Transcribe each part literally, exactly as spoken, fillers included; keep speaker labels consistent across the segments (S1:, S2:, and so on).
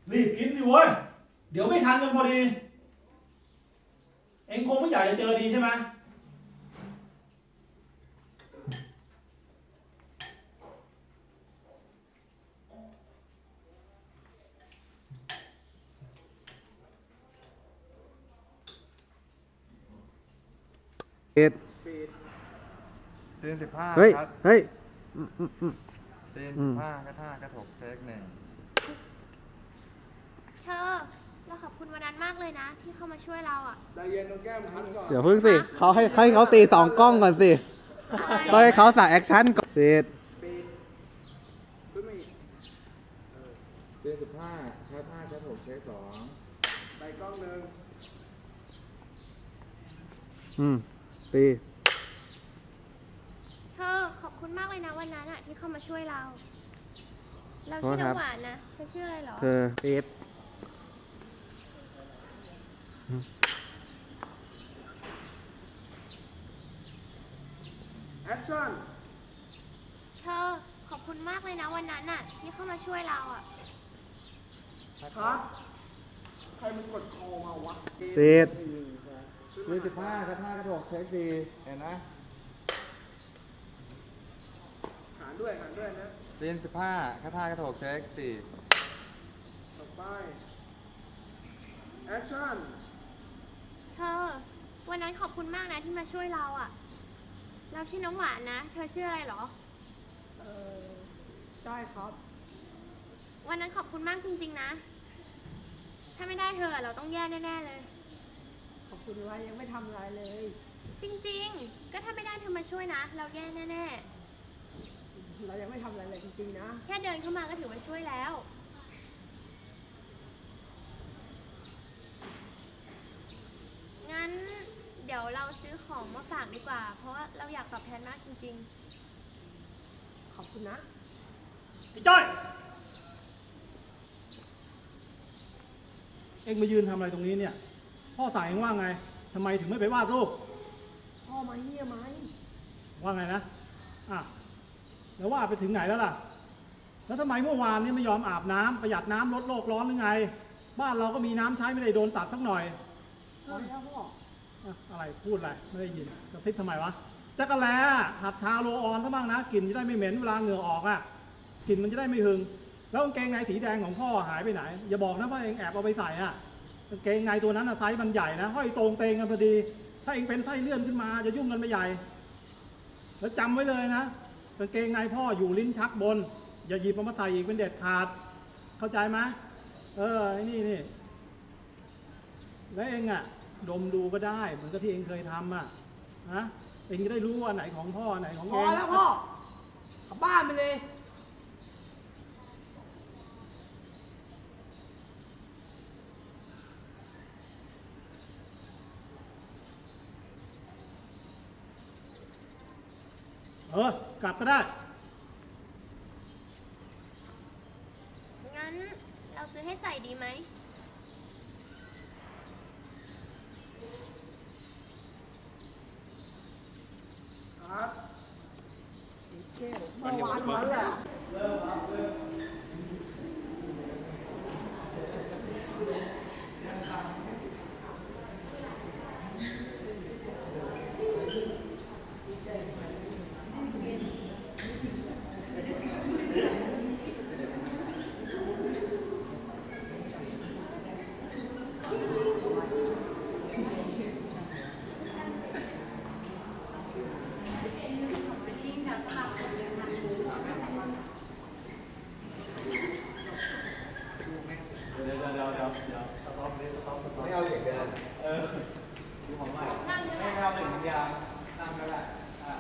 S1: รีบกินดิเว้ยเดี๋ยวไม่ทันกันพอดีเองคงไม่อยากจะเจอดีใช่ไหม
S2: เอ็ด
S3: เตียนสิบห้า
S2: เฮ้ย
S3: ครับ
S2: เฮ้ย
S3: เตียนสิบห้ากระท่ากระถกเทคหนึ่ง
S4: เธอเราขอบคุณวันนั้นมากเลยนะที่เข้ามาช่วยเราอ่ะ
S5: ใจเย็นตรงแก้มพันก่อน
S2: เดี๋ยวพึ่งสิเขาให้ให้เขาตีสองกล้องก่อนสิต้องให้เขาใส่แอคชั่นก่อนเสร็จ
S5: ขึ้นมาอีก
S3: เตียนสิบห้ากระท่ากระถกเทคสอง
S5: ไปกล้องหนึ่ง
S2: อืมตี
S4: เธอขอบคุณมากเลยนะวันนั้นอ่ะที่เข้ามาช่วยเราเราชื่อน้ำหวานนะเธอชื่ออะไรหรอ
S2: เธอเอ็ด
S5: แอคชั่น
S4: เธอขอบคุณมากเลยนะวันนั้นน่ะที่เข้ามาช่วยเราอ่ะ
S5: ครับใครมันกดคอมาวะ
S2: เอ็ด
S3: เตียนสิบห้ากระท่ากระถกเทคสี่เห็นนะ
S5: หารด้วยหารด้วยนะ
S3: เตียนสิบห้ากระท่ากระถกเทคสี่
S5: ต่อไปแอคชั่น
S4: เธอวันนั้นขอบคุณมากนะที่มาช่วยเราอ่ะเราชื่อน้ำหวานนะเธอชื่ออะไรหรอ
S5: เออจ้อยครับ
S4: วันนั้นขอบคุณมากจริงๆนะถ้าไม่ได้เธอเราต้องแย่แน่ๆเลย
S5: ขอบคุณอะไรยังไม่ทำอะไรเลย
S4: จริงๆก็ถ้าไม่ได้เธอมาช่วยนะเราแย่แน่
S5: ๆเรายังไม่ทำอะไรเลยจริงๆนะ
S4: แค่เดินเข้ามาก็ถือว่าช่วยแล้วงั้นเดี๋ยวเราซื้อของมาฝากดีกว่าเพราะว่าเราอยากตอบแทนมากจริง
S5: ๆขอบคุณนะ
S1: ไอ้จ้อยเอ็งมายืนทำอะไรตรงนี้เนี่ยพ่อสั่งเอ็งว่าไงทำไมถึงไม่ไปวาดรูป
S5: พ่อมาเนี่ยไหม
S1: ว่าไงนะอ่ะแล้วว่าไปถึงไหนแล้วล่ะแล้วทำไมเมื่อวานนี้ไม่ยอมอาบน้ำประหยัดน้ำลดโลกร้อนหรือไงบ้านเราก็มีน้ำใช้ไม่ได้โดนตัดสักหน่อย
S5: พอแล้วพ่อ
S1: อะไรพูดอะไรไม่ได้ยินกระซิบทำไมวะจักรแล้หัดทาโรออนซะบ้างนะกลิ่นจะได้ไม่เหม็นเวลาเหงื่อออกอ่ะกลิ่นมันจะได้ไม่หึงแล้วกางเกงในสีแดงของพ่อหายไปไหนอย่าบอกนะว่าเองแอบเอาไปใส่อ่ะกางเกงในตัวนั้นไซส์มันใหญ่นะห้อยตรงเตงกันพอดีถ้าเองเป็นไส้เลื่อนขึ้นมาจะยุ่งกันไปใหญ่แล้วจำไว้เลยนะกางเกงในพ่ออยู่ลิ้นชักบนอย่าหยิบมาใส่อีกเป็นเด็ดขาดเข้าใจไหมเออนี่นี่แล้วเองอ่ะดมดูก็ได้เหมือนกับที่เองเคยทำอ่ะฮะเองจะได้รู้ว่าไหนของพ่อไหนของเอง
S5: พอแล้วพ่อกลับบ้านไปเลย
S1: เออกลับก็ได้
S4: งั้นเราซื้อให้ใส่ดีไหม
S5: ครับเมื่อวานวันแหละเริ่มครับเริ่ม
S3: ไม่เอาเหล็กเดินเออดูของใหม่ไม่เอาเหล็กยางนั่งก็ได้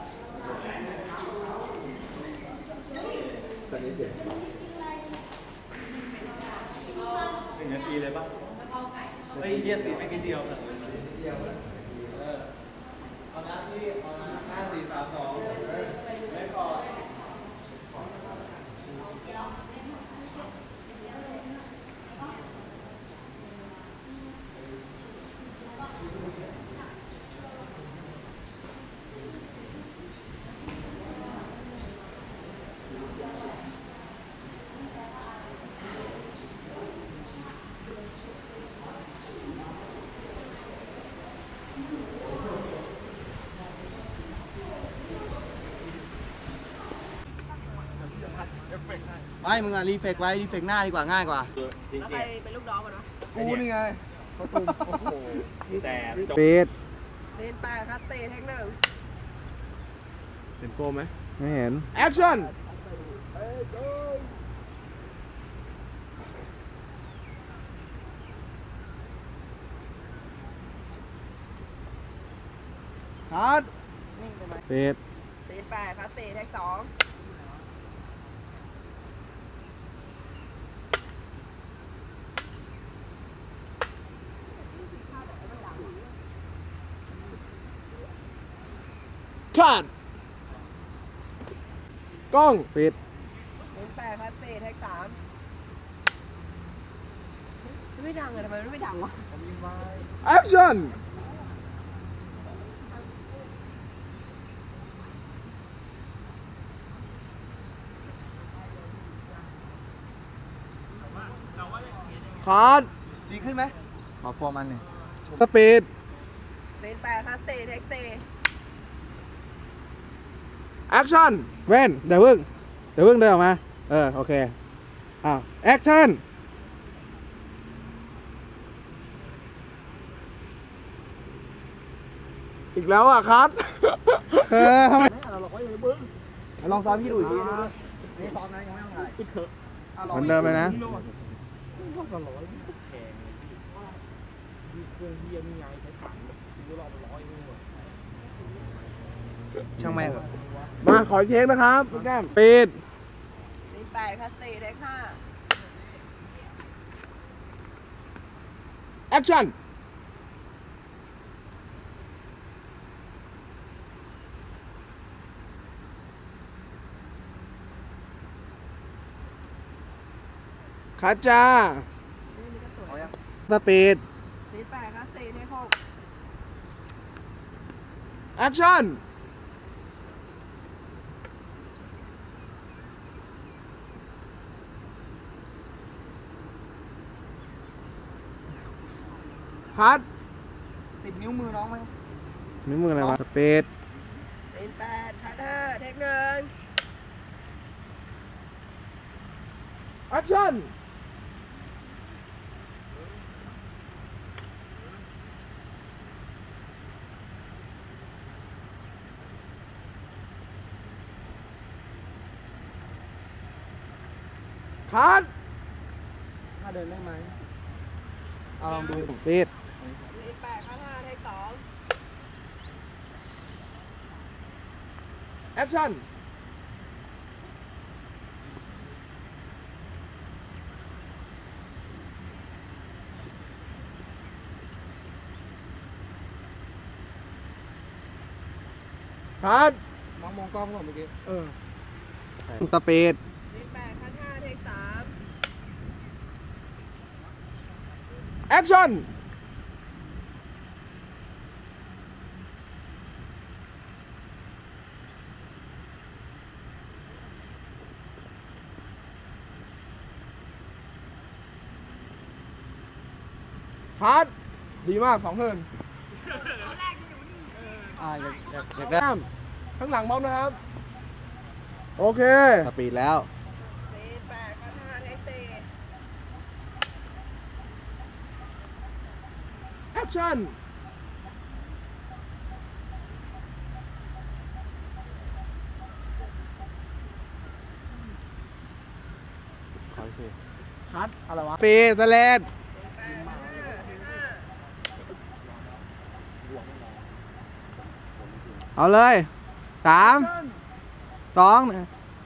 S3: ตอนนี้เปลี่ยนหนึ่งนาทีเลยป่ะไอ้เยี่ยสีไม่กี่เดียวนะเดียวเออเอาหน้าที่เอาหน้าห้าสี่สามสองไม่ก่อนไม่มึงอะรีเฟกไว้รีเฟกหน้าดีกว่าง่ายกว่า
S5: แล้วใครเป็นลูกน้องกันวะ
S3: กูนี่ไง
S6: แต่
S2: ปิด
S5: เล่นไปครับเตะแท็กหนึ่ง
S3: เห็นโฟมไหม
S2: ไม่เห็น
S3: แอคชั่นคัด
S5: นิ่งไปไหม
S2: ปิด
S5: เล่นไปครับเตะแท็กสอง
S3: คัดกล้อง
S2: ปิด
S5: เล่นไปครับเตะแท็กสามไม่ดังเลยทำไมมันไม่ดังวะ
S3: แอคชั่นคัดดีขึ้นไหมขอโฟมมันหนึ่ง
S2: สปีด
S5: เล่นไปครับเตะแท็กเตะ
S3: แอคชั่น
S2: เว้นเดี๋ยวพึ่งเดี๋ยวพึ่งเดินออกมา เออ โอเค อ้าว แอคชั่น
S3: อีกแล้วอ่ะคัด
S2: เออทำไม
S3: ลองซ้อมพี่ดูอีกทีนี่ซ้อมนะยังไม่ต้องถ่าย
S2: เหมือนเดิมเลยนะ
S3: ช่างแม่งมาขอเค้กนะครับพี่แก้ม
S2: ปิด
S5: เล่นไปครับเตะแท็กห้า
S3: แอคชั่นคัดจ้า
S2: สปีด
S5: เล่นไปครับเตะแท็กหก
S3: แอคชั่นคัดติดนิ้วมือน้องไหม
S2: นิ้วมืออะไรวะ สปีด
S5: เล่นแปดคัดห้าแท็กหนึ่ง
S3: แอคชั่นคัดถ้าเดินได้ไหมเอาลองดู
S2: ปิด
S5: เล่นแปดคัดห้าแท็กสอง
S3: แอคชั่นคัดมองมองกล้องก่อนเมื่อกี้เออ
S2: สปีด
S5: เล่นแปดคัดห้าแท็กสาม
S3: แอคชั่นคัดดีมากสองเทิร์นอ่าอยากอยากอยากได้ข้างหลังบอมนะครับ โอเค
S2: สปีดแล้ว
S5: เล่นแปดคัดห้าแท็กเตะ
S3: แอคชั่นคัดอะไรวะ
S2: ปีดสเลด
S5: แปดคัดห้าแท็กห้า
S2: เอาเลย สาม สองหนึ่ง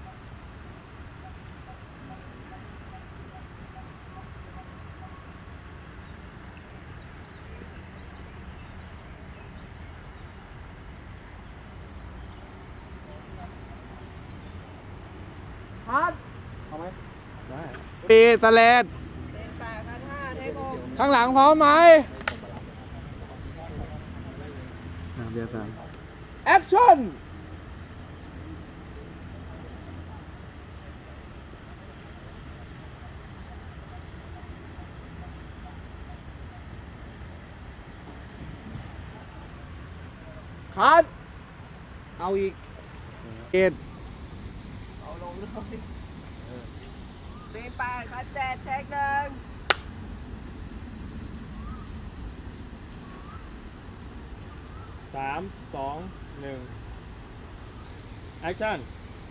S3: คัดเอาไหมได้
S2: ปีดสเลด
S5: เล่นแปดคัดห้าแท็กหก
S2: ข้างหลังพร้อมไหมอ่ะเบียร์สาม
S3: แอคชั่นคัดเอาอีก
S2: ปิด
S5: เอาลงเลยสี่แปดคัดเจ็ดเทคหนึ่ง
S6: สามสองหนึ่งแอคชั่น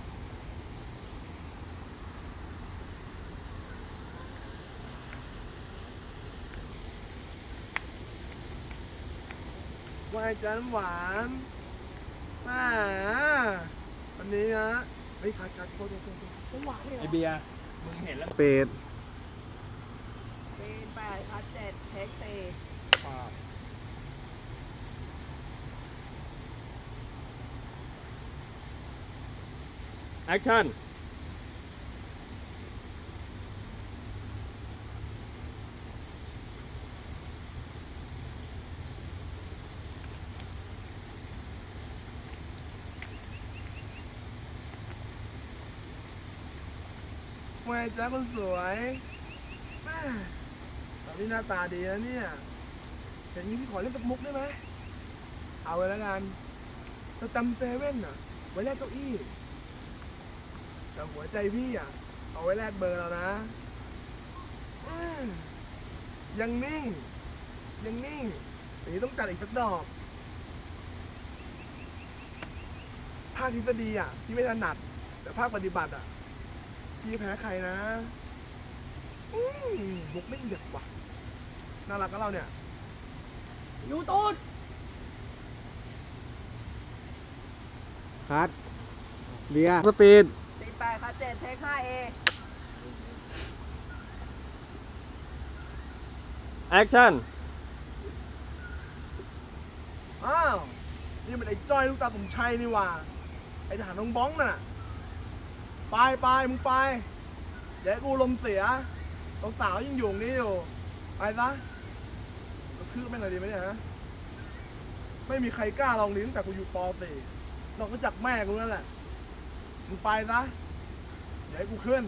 S5: วายจันหวานอ่าวันนี้นะเฮ้ยคัดคัดโคตรโคตรโคตรหวานเลยเหร
S6: ไอ
S5: อ
S6: เบียร์มึงเห็นแล้ว
S2: ปิด
S5: สี่แปดคัดเจ็ดเทคสี่
S6: แอคชั่น
S5: วายจันคนสวยแม่ตอนนี้หน้าตาดีนะเนี่ยอย่างนี้พี่ขอเล่นกับมุกได้ไหมเอาไว้แล้วกันจะจำเซเว่นอ่ะไว้แลกเก้าอี้แต่หัวใจพี่อ่ะเอาไว้แลกเบอร์เรานะอืมยังนิ่งยังนิ่งอย่างนี้ต้องจัดอีกสักดอกภาคทฤษฎีอ่ะพี่ไม่ถนัดแต่ภาคปฏิบัติอ่ะพี่แพ้ใครนะอืมบุกไม่เด็ดว่ะน่ารักกับเราเนี่ยยูตูด
S2: คัดเบียร์สปีด
S5: สี่แปดคัดเจ็ดเทคห้าเอ
S6: แอคชั่น
S5: อ้าวนี่มันไอ้จ้อยลูกตาผมชัยนี่หว่าไอ้ทหารน้องบ้องน่ะไปไปมึงไปเดี๋ยวกูลมเสียสาวๆยังอยู่ตรงนี้อยู่ไปซะกระทืบแม่งเลยดีไหมเนี่ยฮะไม่มีใครกล้าลองลิ้นแต่กูอยู่ปอสี่นอกจากแม่กูนั่นแหละมึงไปซะเดี๋ยวให้กูขึ้น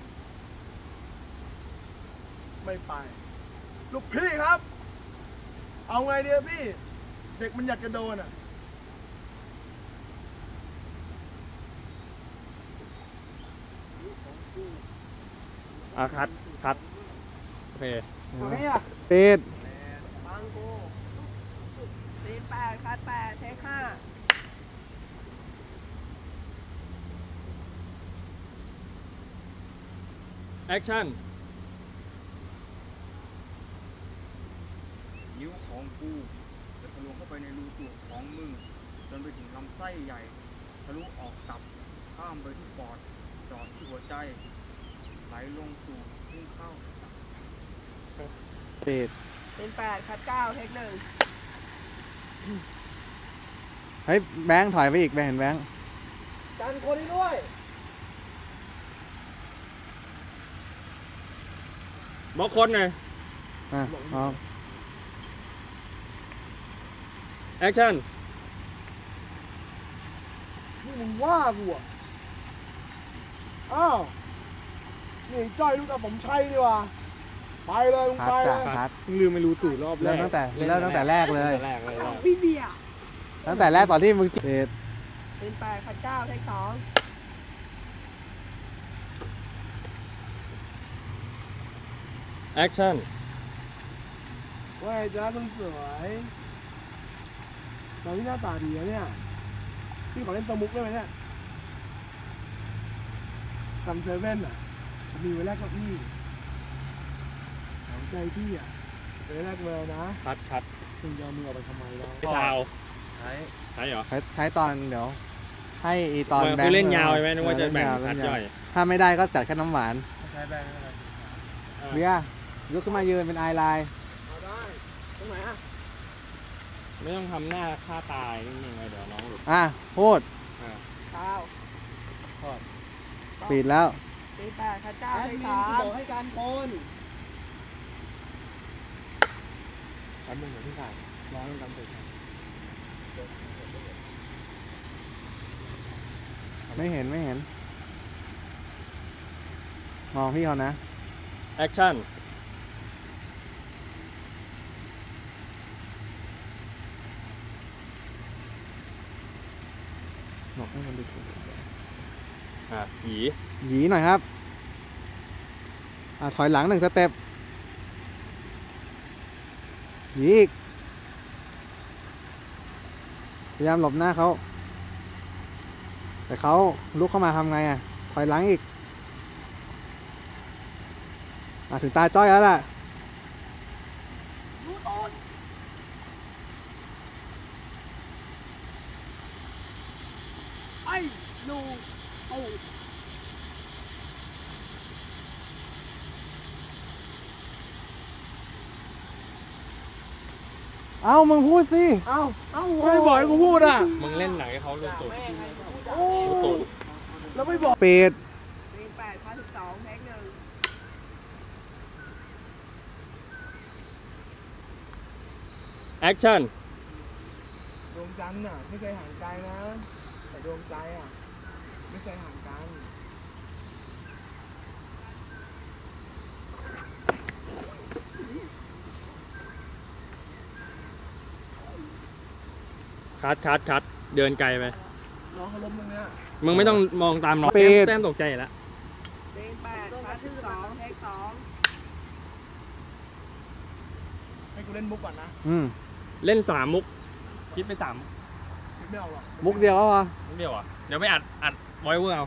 S5: ไม่ไปลูกพี่ครับเอาไงเดียพี่ เด็กมันอยากจะโดนอ่ะ
S6: อ่ะคัดคัดโอเค
S2: ปิด
S5: ฟังกูสี่แปดคัดแปดเทคห้า
S6: แอคชั่น
S7: นิ้วของกูจะทะลวงเข้าไปในรูตูดของมึงจนไปถึงลำไส้ใหญ่ทะลุออกตับข้ามไปที่ปอดจอดที่หัวใจไหลลงสู่พุ่งเข้า
S2: ปิด
S5: สี่แปดคัดเก้าเทคหนึ่ง
S2: เฮ้ยแบงค์ถอยไปอีกแบงค์เห็นแบงค์
S5: กันคนนี้ด้วย
S6: บอกคนหน่อย
S2: อ่ะพร้อม
S6: แอคชั่น
S5: นี่มึงว่ากูอ่ะอ้าวนี่ไอ้จ้อยลูกตาผมชัยดีว่ะไปเลยมึง
S2: คั
S5: ไป
S2: ด
S5: เล
S2: จ้ะ
S5: ย
S2: คัด
S6: ลืมไม่รู้ตู่รอบแร
S2: เริ่ม
S6: ก
S2: ตั้งแต่เริ่มตั้งแต่แรกเลย
S6: แรกเลย
S5: พี่เบียร์
S2: ตั้งแต่แรกตอนที่มึงปิด
S5: สี่แปดคัดเก้าเทคสอง
S6: แอคชั่น
S5: ว่าไอ้จ้าคนสวยตอนนี้หน้าตาดีนะเนี่ยพี่ขอเล่นตัวมุกได้ไหมเนี่ยจำเซเว่นอ่ะมีไว้แรกเก้าอี้หัวใจพี่อ่ะไว้แรกเบอร์นะ
S6: คัดคัด
S5: มึงจะเอามือออกไปทำไมเรา
S6: ไม่ชาว
S2: ใช้
S6: ใช่เหรอ
S2: ใช้ใช้ตอนเดี๋ยว ให้อีตอน
S6: มัน
S2: แบง
S6: คือ
S2: ค์
S6: เล่นยาวใช่ไหมนึกว่าจะแบ่ง
S2: เล่นย
S6: คัด
S2: เล่น
S6: ย่อย
S2: ถ้าไม่ได้ก็จัดแค่น้ำหวาน
S5: ใช้แบงค์อะไร
S2: เบียร์ยกขึ้นมายืนเป็นไอไลน์
S5: เอาได้ตรงไหนอ่ะ
S6: ไม่ต้องทำหน้าฆ่าตายนิ่งๆเลยเดี๋ยวน้องหลุด
S2: อ่ะพูด
S5: ข้าว
S2: ปิดแล้ว
S5: สี่แปดคัดเก้าเทคสาม
S3: บอกให้การโอน
S6: แป๊บนึงเดี๋ยวพี่ถ่ายร้องกันเสร็จ
S2: ไม่เห็นไม่เห็น มองพี่เขานะ
S6: แอคชั่น
S2: บอกให้มันดู
S6: อ่ะผี
S2: หยีหน่อยครับอ่ะถอยหลังหนึ่งสเต็ปยีกพยายามหลบหน้าเขาแต่เขาลุกเข้ามาทำไงอ่ะถอยหลังอีกอ่ะถึงตาจ้อยแล้วล่ะ
S5: ไอ้ลูโอ้
S2: เอ้ามึงพูดสิ
S5: เอ้าเอ้าไม่บอกให้กูพูดอ่ะ
S6: มึงเล่นไหนเขารู้ตัว
S5: โอ้แล้วไม่บอก
S2: ปิด
S5: แปดพันสิบสองแท็กหนึ่ง
S6: แอคชั่น
S5: ดวงจันทร์น่ะไม่เคยห่างไกลนะ แต่ดวงใจอ่ะไม่เคยห่างกัน
S6: คัดคัดคัดเดินไกลไป
S5: น้องเขาล้มตรงเนี้ย
S6: มึงไม่ต้องมองตามน้อง
S2: ปิด
S6: แต้มตกใจแล้ว
S5: เป็นแปดพันสิบสองแท็กสองให้กูเล่นมุกก่อนนะ
S2: อืม
S6: เล่นสามมุก คิดไปสามมุก
S5: คิดไม่ออกหรอก
S2: มุกเดียวก็พอ
S6: มุกเดียวอ่ะ เดี๋ยวไปอัดอัดไว้เวอร์เอา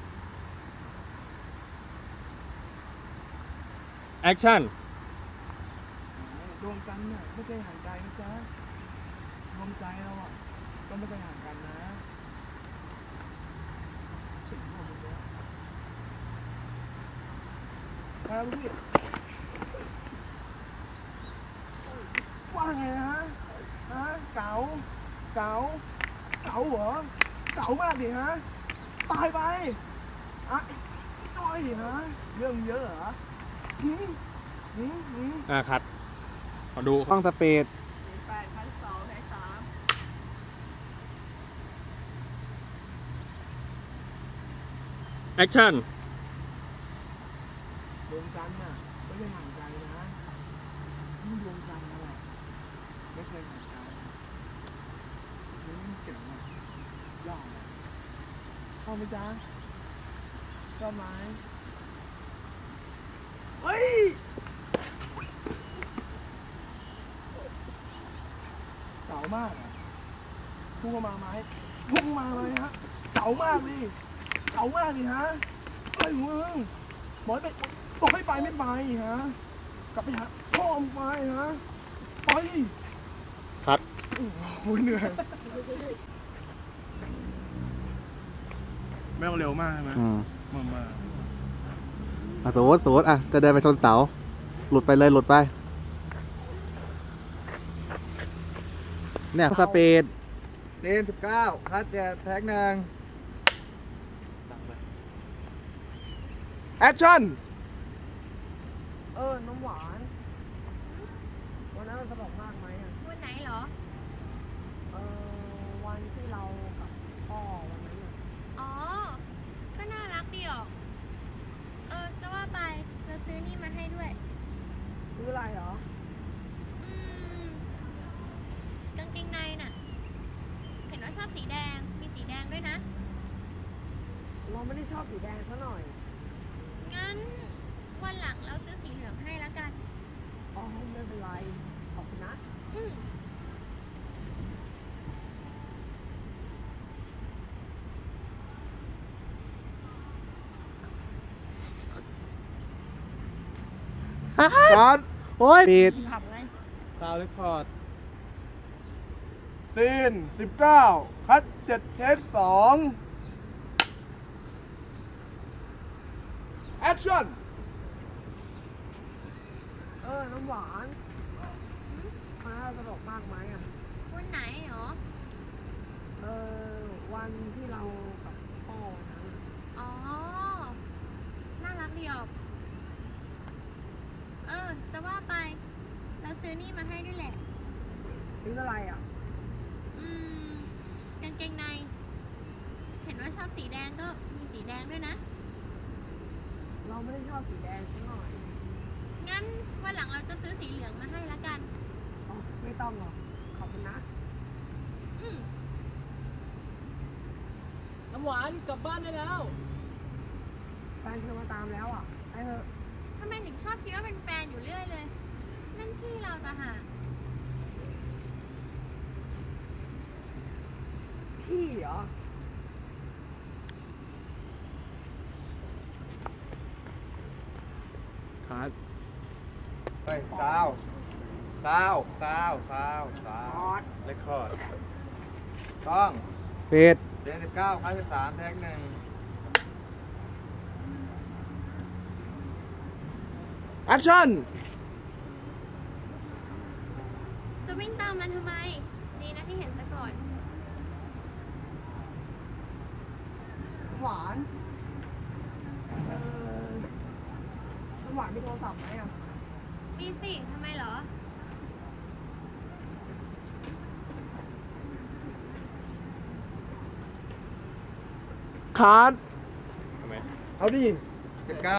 S6: แอคชั่น
S5: ดวงจันทร์น่ะไม่เคยห่างไกลนะจ๊ะดวงใจเราอ่ะก็ไม่เคยห่างกันนะถึงหมดเลยครับพี่ว่าไงนะฮะฮะเก๋าเก๋าเก๋าเหรอเก๋ามากดิฮะตายไปอ่ะจ้อยดิฮะเรื่องเยอะเหรอหืมหืมหืม
S6: อ่าคัดขอดู
S2: ต้องสปีด
S5: แปดพันสองแท็กสาม
S6: แอคชั่น
S5: ดวงจันทร์น่ะไม่ได้ห่างไกลนะนี่ดวงจันทร์นั่นแหละไม่เคยห่างไกลนี่เก่งมากยอดเลยชอบไหมจ๊ะชอบไหมเฮ้ยเก๋ามากอ่ะพุ่งเข้ามาไหมพุ่งมาเลยฮะเก๋ามากดิเก๋ามากดิฮะเฮ้ยมึงบอกให้ไปบอกให้ไปไม่ไปฮะกลับไปหาพ่อมึงไปฮะไป
S6: คัด
S5: โอ้ยเหนื่อยแม่งเร็วมากใช่ไหม
S2: อืม
S5: มามา
S2: อ่ะสมมติสมมติอ่ะจะเดินไปชนเสาหลุดไปเลยหลุดไปเนี่ยสปีดเล่นสิบเก้าคัดจะแท็กหนึ่ง
S5: แอคชั่นเออน้ำหวานวันนั้นมันสนุกมากไหมอ่ะ
S4: วันไหนเหรอ
S5: เออวันที่เรากับพ่อวันนั้นอ่ะ
S4: อ๋อ ก็น่ารักดีออก เออ จะว่าไปเราซื้อนี่มาให้ด้วย
S5: ซื้ออะไรเหรอ
S4: อืมกางเกงในน่ะ เห็นว่าชอบสีแดง มีสีแดงด้วยนะ
S5: เราไม่ได้ชอบสีแดงซะหน่อย
S4: งั้นวันหลังเราซื้อสีเหลืองให้แล้วกัน
S5: อ๋อไม่เป็นไรขอบคุณนะ
S4: อืม
S2: คัดโอ้ยปิด
S4: ขับไง
S6: ซาวด์เรคคอร์ด
S5: ซีนสิบเก้าคัดเจ็ดเทสสองแอคชั่นเออ น้ำหวานมันน่าสนุกมากไหมอ่ะ
S4: วันไหนเหรอ
S5: เออ วันที่เรากับพ่อวันนั้นอะ
S4: อ๋อ น่ารักดีออก เออ จะว่าไป เราซื้อนี่มาให้ด้วยแหละ
S5: ซื้ออะไรอ่ะ
S4: อืม กางเกงใน เห็นว่าชอบสีแดงก็มีสีแดงด้วยนะ
S5: เราไม่ได้ชอบสีแดงซะหน่อย
S4: งั้นวันหลังเราจะซื้อสีเหลืองมาให้ละกัน
S5: อ๋อ ไม่ต้องหรอก ขอบคุณนะ
S4: อืม
S3: น้ำหวานกลับบ้านได้แล้ว
S5: แฟนเธอมาตามแล้วอ่ะไอ้เธอ
S4: อทำไมถึงชอบคิดว่าเป็นแฟนอยู่เรื่อยเลย นั่นพี่เราต่างหาก
S5: พี่เหรอ
S2: ครับ
S3: เฮ้ยซาวซาวซาวซาวซาว
S6: เรคคอร์ด
S3: ต้อง
S2: ปิด
S3: เดือนสิบเก้าครั้งสิบสามแท็กหนึ่ง
S5: แอคชั่น
S4: จะวิ่งตามมันทำไม ดีนะที่เห็นซะก่อน
S5: หวานเออน้ำหวานมีโทรศัพท์ไหมอ่ะ
S4: มีสิ ทำไมเหรอ
S5: คัด
S6: ทำไม
S5: เอาดิ
S3: สิบเก้า